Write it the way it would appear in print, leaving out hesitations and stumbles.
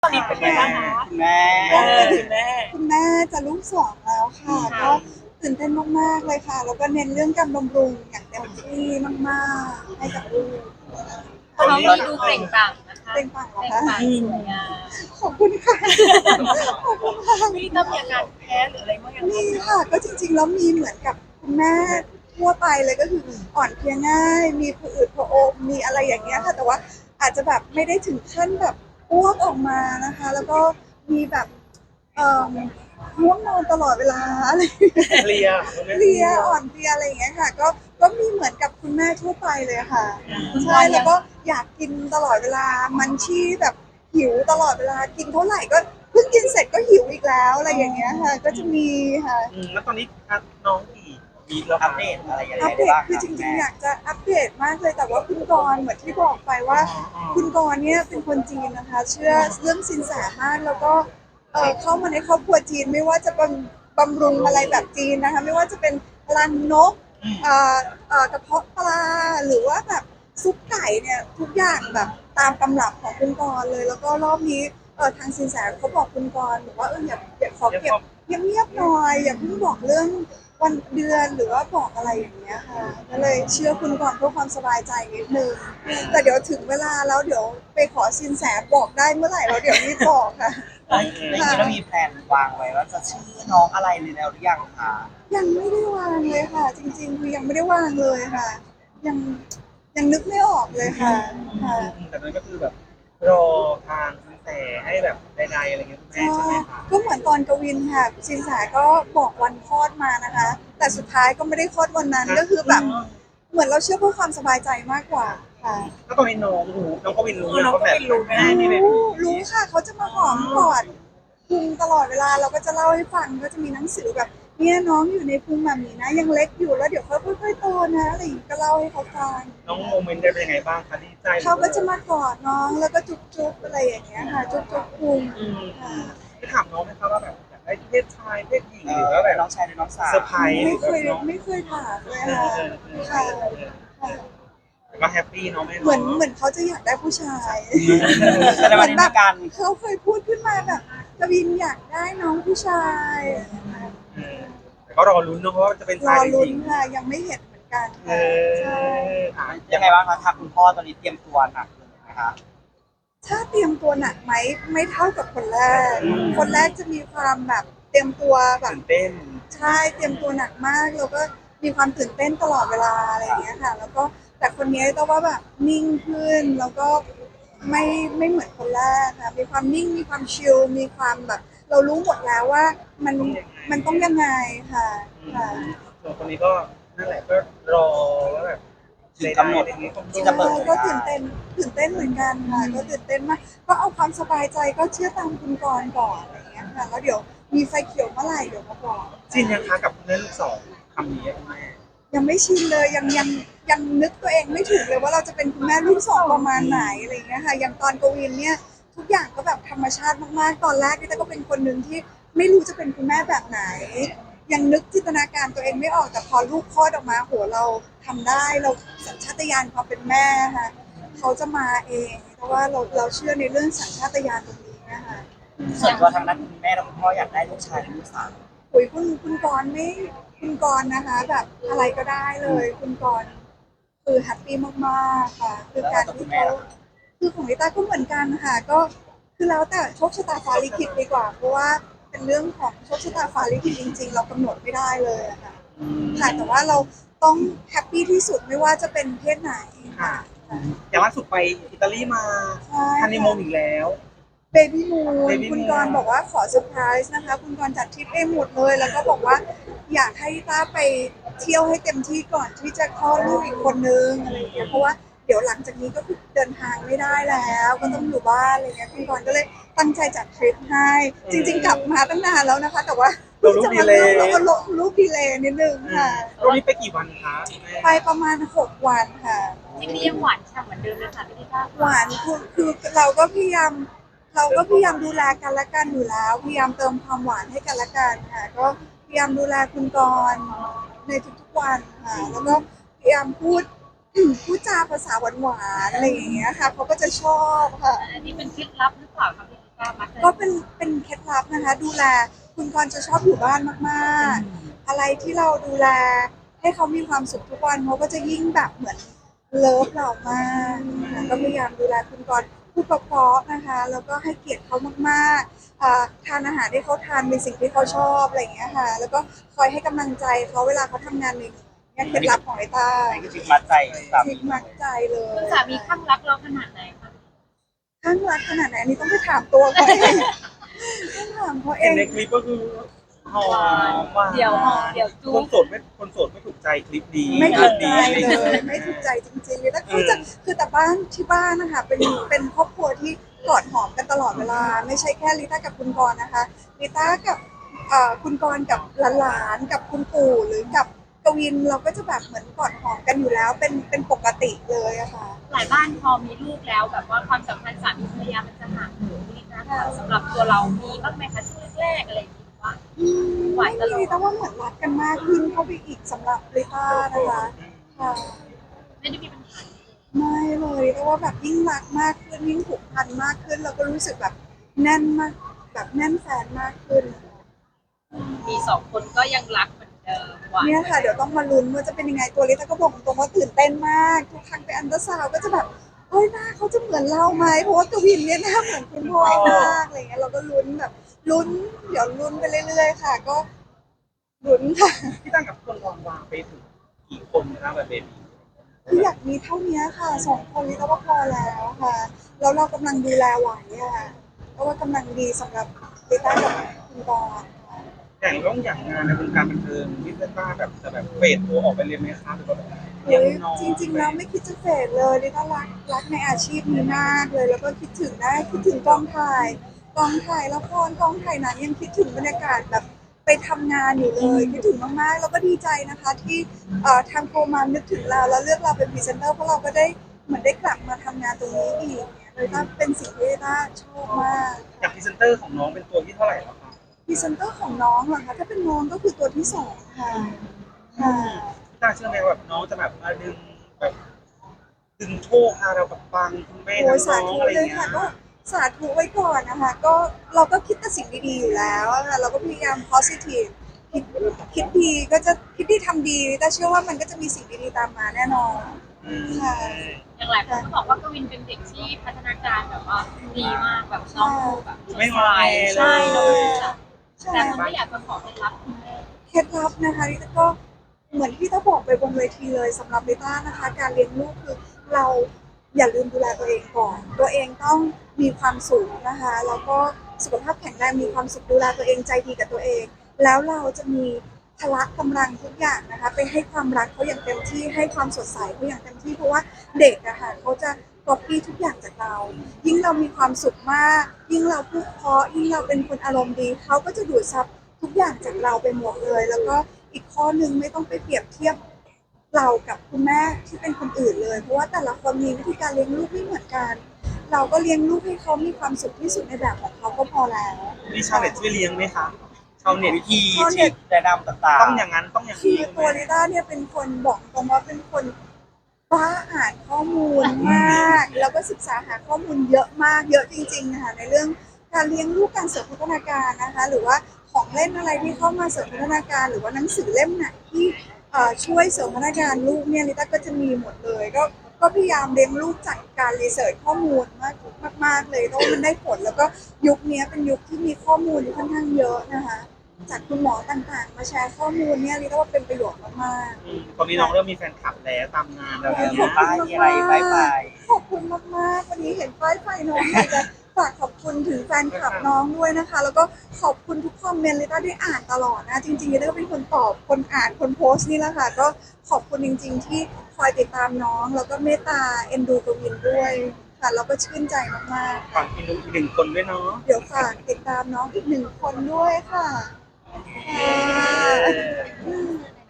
ตอนนี้เป็นไงบ้างคะคุณแม่คุณแม่คุณแม่จะลูกสองแล้วค่ะก็ตื่นเต้นมากๆเลยค่ะแล้วก็เน้นเรื่องการบำรุงอย่างเต็มที่มากๆให้กับลูกตอนเขานี้มีดูเปล่งปลั่งนะคะเป็นปังเหรอเปล่งคะปลั่งสวยงามขอบคุณค่ะขอบคุณค่ะมีต้องมีอาการแพ้หรืออะไรบ้างยังมีค่ะก็จริงๆแล้วมีเหมือนกับคุณแม่ทั่วไปเลยก็คืออ่อนเพลียง่ายมีผะอืดผะอมมีอะไรอย่างเงี้ยค่ะแต่ว่าอาจจะแบบไม่ได้ถึงขั้นแบบอ้วกออกมานะคะแล้วก็มีแบบเอ่อง่วงนอนตลอดเวลาอะไรอย่างเงี้ยเพลียเพลียอ่อนเพลียอะไรอย่างเงี้ยค่ะก็มีเหมือนกับคุณแม่ทั่วไปเลยค่ะใช่แล้วก็อยากกินตลอดเวลามันชี่แบบหิวตลอดเวลากินเท่าไหร่ก็เพิ่งกินเสร็จก็หิวอีกแล้วอะไรอย่างเงี้ยค่ะก็จะมีค่ะแล้วตอนนี้น้องกี่วีคแล้วอัปเดตอะไรยังไงอัปเดได้ตบ้างคือจริงๆอยากจะอัปเดตมากเลยแต่ว่าคุณกรณ์เหมือนที่บอกไปว่า คุณกรณ์เนี่ยเป็นคนจีนนะคะ เชื่อเรื่องสินแสมากแล้วก็เข้ามาในครอบครัวจีนไม่ว่าจะบำรุงอะไรแบบจีนนะคะไม่ว่าจะเป็นรังนกกระเพาะปลาหรือว่าแบบซุปไก่เนี่ยทุกอย่างแบบตามตำรับของคุณกรณ์เลยแล้วก็รอบนี้ทางสินแสเขาบอกคุณกรณ์บอกว่าอย่าขอเก็บเงียบๆหน่อยอย่าเพิ่งบอกเรื่องวันเดือนหรือว่าบอกอะไรอย่างเงี้ยค่ะก็เลยเชื่อคุณก่อนเพื่อความสบายใจนิดนึงแต่เดี๋ยวถึงเวลาแล้วเดี๋ยวไปขอสินแสบอกได้เมื่อไหร่แล้วเดี๋ยวรีบบอกค่ะแล้วนี้เรามีแผนวางไว้ว่าจะชื่อน้องอะไรเลยแล้วหรือยังคะยังไม่ได้วางเลยค่ะ จริงๆคือยังไม่ได้วางเลยค่ะ ยังยังนึกไม่ออกเลยค่ะค่ะแต่นั้นก็คือแบบรอทางสินแสให้แบบใดๆอะไรเงี้ยคุณแม่ใช่ไหมคะก็เหมือนตอนกวินค่ะสินแสก็บอกวันคลอดมานะคะ แต่สุดท้ายก็ไม่ได้คลอดวันนั้นก็คือแบบเหมือนเราเชื่อเพื่อความสบายใจมากกว่าค่ะแล้วตอนนี้น้องก็วินรู้น้องก็วินรู้ไหมรู้ค่ะเขาจะมาหอมกอดพุงตลอดเวลาเราก็จะเล่าให้ฟังก็จะมีหนังสือแบบเนี่ยน้องอยู่ในพุงแบบนี้นะยังเล็กอยู่แล้วเดี๋ยวเขาค่อยๆโตนะอะไรอย่างนี้ก็เล่าให้เขาฟังน้องโมเมนต์ได้เป็นยังไงบ้างคะดีใจเขาก็จะมากอดน้องแล้วก็จุ๊บๆอะไรอย่างเงี้ยค่ะจุ๊บๆพุงค่ะได้ถามน้องไหมคะว่าแบบอยากได้เพศชายเพศหญิงหรือว่าแบบน้องชายหรือน้องสาวเซอร์ไพรส์ไม่เคยถามเลยค่ะค่ะค่ะก็แฮปปี้เนาะแม่เหมือนเขาจะอยากได้ผู้ชายแสดงว่าในการเขาเคยพูดขึ้นมาแบบกวินอยากได้น้องผู้ชายแต่ก็รอลุ้นเนาะเพราะว่าจะเป็นรชายอหรือลุ้หนญิงค่ะยังไม่เห็นเหมือนกันเอค่ะใช่ยังไงบ้างคะทางคุณพ่อตอนนี้เตรียมตัวหนักเลยนะคะถ้าเตรียมตัวหนักไหมไม่เท่ากับคนแรก คนแรกจะมีความแบบเตรียมตัวแบบตื่นเต้นใช่เตรียมตัวหนักมากแล้วก็มีความตื่นเต้นตลอดเวลาอะไรอย่างเงี้ยค่ะ แล้วก็แต่คนนี้ต้องว่าแบบนิ่งขึ้นแล้วก็ไม่เหมือนคนแรกค่ะมีความนิ่งมีความชิลมีความแบบ เรารู้หมดแล้วว่ามันต้องยังไงค่ะค่ะส่วนคนนี้ก็นั่นแหละก็รอว่าแบบถึงกำหนดอะไรอย่างเงี้ยที่จะเปิดใช่ก็ตื่นเต้นเหมือนกันค่ะก็ตื่นเต้นมากก็เอาความสบายใจก็เชื่อตามคุณกรณ์ก่อนอะไรอย่างเงี้ยค่ะแล้วเดี๋ยวมีไฟเขียวเมื่อไหร่เดี๋ยวมาบอกชินยังคะกับคุณแม่ลูกสองคำนี้คุณแม่ยังไม่ชินเลยยังนึกตัวเองไม่ถูกเลยว่าเราจะเป็นคุณแม่ลูกสองประมาณไหนอะไรอย่างเงี้ยค่ะอย่างตอนกวินเนี่ยทุกอย่างก็แบบธรรมชาติมากๆตอนแรกนี่แต่ก็เป็นคนหนึ่งที่ไม่รู้จะเป็นคุณแม่แบบไหน ยังนึกจินตนาการตัวเองไม่ออกแต่พอลูกคลอดออกมาโหเราทำได้เราสัญชาตญาณความเป็นแม่ค่ะเขาจะมาเองเพราะว่าเราเชื่อในเรื่องสัญชาตญาณตรงนี้นะคะส่วนตัวทางด้านคุณแม่และคุณพ่ออยากได้ลูกชายหรือลูกสาวโอ้ยคุณกรณ์ไม่คุณกรณ์นะคะ แบบอะไรก็ได้เลยคุณกรณ์คือแฮปปี้มากๆค่ะคือการที่เขาคือของลิต้าก็เหมือนกันค่ะก็คือแล้วแต่โชคชะตาฟ้าลิขิตดีกว่า เพราะว่าเป็นเรื่องของโชคชะตาฟ้าลิขิตจริง ๆ เรากำหนดไม่ได้เลยอะค่ะค่ะแต่ว่าเราต้องแฮปปี้ที่สุดไม่ว่าจะเป็นเพศไหนค่ะอย่างล่าสุดไปอิตาลีมาใช่ฮันนีมูนอีกแล้วเบบี้มูน Baby คุณ Moon กรณ์บอกว่าขอเซอร์ไพรส์นะคะ คุณกรณ์จัดทริปเองหมดเลย แล้วก็บอกว่าอยากให้ต้าไปเที่ยวให้เต็มที่ก่อนที่จะคลอดลูกอีกคนนึงอะไรอย่างเงี้ยเพราะว่าเดี๋ยวหลังจากนี้ก็คือเดินทางไม่ได้แล้วก็ต้องอยู่บ้านอะไรเงี้ยคุณกรณ์ก็เลยตั้งใจจัดทริปให้จริง ๆ กลับมาตั้งนานแล้วนะคะ แต่ว่าเรารู้ดีเลยเราก็ลูกดีเลยนิดนึงค่ะตรงนี้ไปกี่วันคะแม่ไปประมาณ6 วันค่ะที่นี่ยังหวานฉ่ำเหมือนเดิมเลยค่ะพี่ลิต้าหวานคือเราก็พยายามดูแลกันและกันอยู่แล้วพยายามเติมความหวานให้กันและกันค่ะก็พยายามดูแลคุณกรณ์ในทุกๆวันค่ะแล้วก็พยายามพูด พูดจาภาษาหวานๆอะไรอย่างเงี้ยค่ะเขาก็จะชอบค่ะอันนี้เป็นเคล็ดลับหรือเปล่าคะพี่ลิต้าต้ามักก็เป็นเคล็ดลับนะคะ ดูแลคุณกรณ์จะชอบอยู่บ้านมากๆ อะไรที่เราดูแลให้เขามีความสุขทุกวันเขาก็จะยิ่งแบบเหมือนเลิฟเรามากนะคะก็พยายามดูแลคุณกรณ์พูดเพราะๆนะคะ แล้วก็ให้เกียรติเขามากๆทานอาหารที่เขาทานเป็นสิ่งที่เขาชอบอะไรอย่างเงี้ยค่ะ แล้วก็คอยให้กำลังใจเขาเวลาเขาทำงานเหนื่อยๆเนี่ยเคล็ดลับของไอ้ตาอันนี้ก็ชิดมัดใจสาทิมีกมักใจเลยคุณสามีข้างรักเราขนาดไหนคะข้างรักขนาดไหนอันนี้ต้องไปถามตัวเขาเองต้องถามเขาเอเห็นงในคลิปก็คือหอมหวานเดี๋ยวหอมเดี๋ยวจุ๊คบนโสดไม่ถูกใจคลิปนี้ไม่ถูกใจคลิปเลนี้ยไม่ถูกใจจริงๆแล้วเขาจะคือแต่บ้านที่บ้านนะคะเป็นครอบครัวที่กอดหอมกันตลอดเวลา ไม่ใช่แค่ลิต้ากับคุณกรณ์นะคะลิต้ากับคุณกรณ์กับหลานๆกับคุณปู่หรือกับกวินเราก็จะแบบเหมือนกอดหอมกันอยู่แล้วเป็นปกติเลยอะค่ะหลายบ้านพอมีลูกแล้วแบบว่าความสัมพันธ์สามีภรรยามันจะห่างเหินนิดนะคะสำหรับตัวเรามีบ้างไหมคะช่วงแรกๆอะไรอย่างเงี้ยว่า ไหวตลอดลิต้าว่าเหมือนรักกันมากขึ้นเข้าไปอีกสำหรับลิต้านะคะค่ะไม่ได้มีปัญหาไม่เลยแต่ว่าแบบยิ่งรักมากขึ้นยิ่งผูกพันมากขึ้นเราก็รู้สึกแบบแน่นมากแบบแน่นแฟนมากขึ้นมีสองคนก็ยังรักเหมือนเดิมหวานเนี่ยค่ะเดี๋ยวต้องมาลุ้นว่าจะเป็นยังไงตัวลิต้าก็บอกตรงว่าตื่นเต้นมากทุกครั้งไปอันเตอร์ซาวด์ก็จะแบบเฮ้ยหน้าเขาจะเหมือนเราไหมเพราะว่ากวินเนี่ยหน้าเหมือนคุณพ่อมากอะไรเงี้ยเราก็ลุ้นแบบลุ้นเดี๋ยวลุ้นไปเรื่อยๆค่ะ ก็ลุ้นค่ะที่ตั้งกับคนวางไปถึงกี่คนนะแบบเบบีคืออยากมีเท่านี้ค่ะ2 คนลิต้าว่าพอแล้วค่ะแล้วเรากำลังดูแลไหวอะเพราะว่ากำลังดีสำหรับลิต้ากับคุณบอลค่ะอย่างงานในวงการบันเทิงที่เป็นบ้านแบบจะแบบเฟดตัวออกไปเลยไหมคะหรือว่าแบบเฮ้ยจริงๆแล้วไม่คิดจะเฟดเลยลิต้ารักในอาชีพนี้มากเลย แล้วก็คิดถึงกองถ่ายละครกองถ่ายหนังยังคิดถึงบรรยากาศแบบไปทำงานอยู่เลยคิดถึงมากๆแล้วก็ดีใจนะคะที่ทางโปรมานึกถึงเราแล้วเลือกเราเป็นพรีเซนเตอร์เพราะเราก็ได้เหมือนได้กลับมาทำงานตรงนี้อีกเนี่ยเลยว่าเป็นสิ่งที่ลิต้าชอบมากอย่างพรีเซนเตอร์ของน้องเป็นตัวที่เท่าไหร่แล้วคะพรีเซนเตอร์ของน้องเหรอคะถ้าเป็นน้องก็คือตัวที่2ค่ะค่ะน่าเชื่อไหมว่าแบบน้องจะแบบมาดึงโชคพาเราแบบปังคุณแม่โอ้ทั้ยงสาน้องธุอะไรเลยเงี้ค่ะยก็สาธุไว้ก่อนนะคะก็เราก็คิดแต่สิ่งดีๆอยู่แล้วอะค่ะเราก็พยายาม positive คิดดีก็จะคิดดีทำดีแต่เชื่อว่ามันก็จะมีสิ่งดีๆตามมาแน่นอนค่ะอย่างหลายคนก็บอกว่ากวินเป็นเด็กที่พัฒนาการแบบว่าดีมากแบบน้องดูแบบไม่งอแงเลใช่ยเลยค่ะใช่แต่คนก็อยากจะขอเคล็ดลับคุณแม่เคล็ดลับนะคะลิต้าก็เหมือนที่ต้าบอกไปบนเวทีเลยสำหรับลิต้านะคะ การเลี้ยงลูกคือเราอย่าลืมดูแลตัวเองก่อน ตัวเองต้องมีความสุขนะคะแล้วก็สุขภาพแข็งแรงมีความสุขดูแลตัวเองใจดีกับตัวเอง แล้วเราจะมีพละกำลังทุกอย่างนะคะไปให้ความรักเขาอย่างเต็มที่ให้ความสดใสเขาอย่างเต็มที่เพราะว่าเด็กอะค่ะเขาจะก๊อปปี้ทุกอย่างจากเรา ยิ่งเรามีความสุขมาก ยิ่งเราพูดเพราะยิ่งเราเป็นคนอารมณ์ดีเขาก็จะดูดซับทุกอย่างจากเราไปหมดเลย แล้วก็อีกข้อหนึ่งไม่ต้องไปเปรียบเทียบเรากับคุณแม่ที่เป็นคนอื่นเลย เพราะว่าแต่ละคนมีวิธีการเลี้ยงลูกไม่เหมือนกัน เราก็เลี้ยงลูกให้เขามีความสุขที่สุดในแบบของเขาก็พอแล้วมีชาวเน็ตช่วยเลี้ยงไหมคะชาวเน็ตวิธีชาวเน็ฉีตดแนะนำต่างต้องอย่างนั้นต้องอย่างคือนี้ตัวลิต้าเนี่ยเป็นคนบอกตรงว่าเป็นคนบ้าอ่านข้อมูลมาก แล้วก็ศึกษาหาข้อมูลเยอะมากเยอะจริงๆนะคะในเรื่องการเลี้ยงลูกการเสริมพัฒนาการนะคะ หรือว่าของเล่นอะไรที่เข้ามาเสริมพัฒนาการ หรือว่าหนังสือเล่มไหนที่ช่วยเสริมพัฒนาการลูกเนี่ยลิต้าก็จะมีหมดเลยก็พยายามเลี้ยงลูกจากการรีเสิร์ชข้อมูลมากเลยเพราะว่ามันได้ผลแล้วก็ยุคนี้เป็นยุคที่มีข้อมูลค่อนข้างเยอะนะคะจากคุณหมอต่างๆ มาแชร์ข้อมูลเนี่ยลิต้าว่าเป็นประโยชน์มากๆตอนนี้น้องเริ่มมีแฟนคลับแล้วตามงานแล้วขอบเนี่ยๆป้ายมีอะไรป้ายไฟขอบคุณมากๆวันนี้เห็นป้ายไฟน้องอยากจะฝากขอบคุณถึงแฟนคลับน้องด้วยนะคะ แล้วก็ขอบคุณทุกคอมเมนต์ลิต้าได้อ่านตลอดนะจริงๆลิต้าก็เป็นคนตอบคนอ่านคนโพสต์นี่แหละค่ะก็ขอบคุณจริงๆที่คอยติดตามน้องแล้วก็เมตตาเอ็นดูกวินด้วยค่ะแล้วก็ชื่นใจมากๆฝากกินดูอีกหนึ่งคนด้วยเนาะเดี๋ยวฝากติดตามน้องอีก1 คนด้วยค่ะค่ะ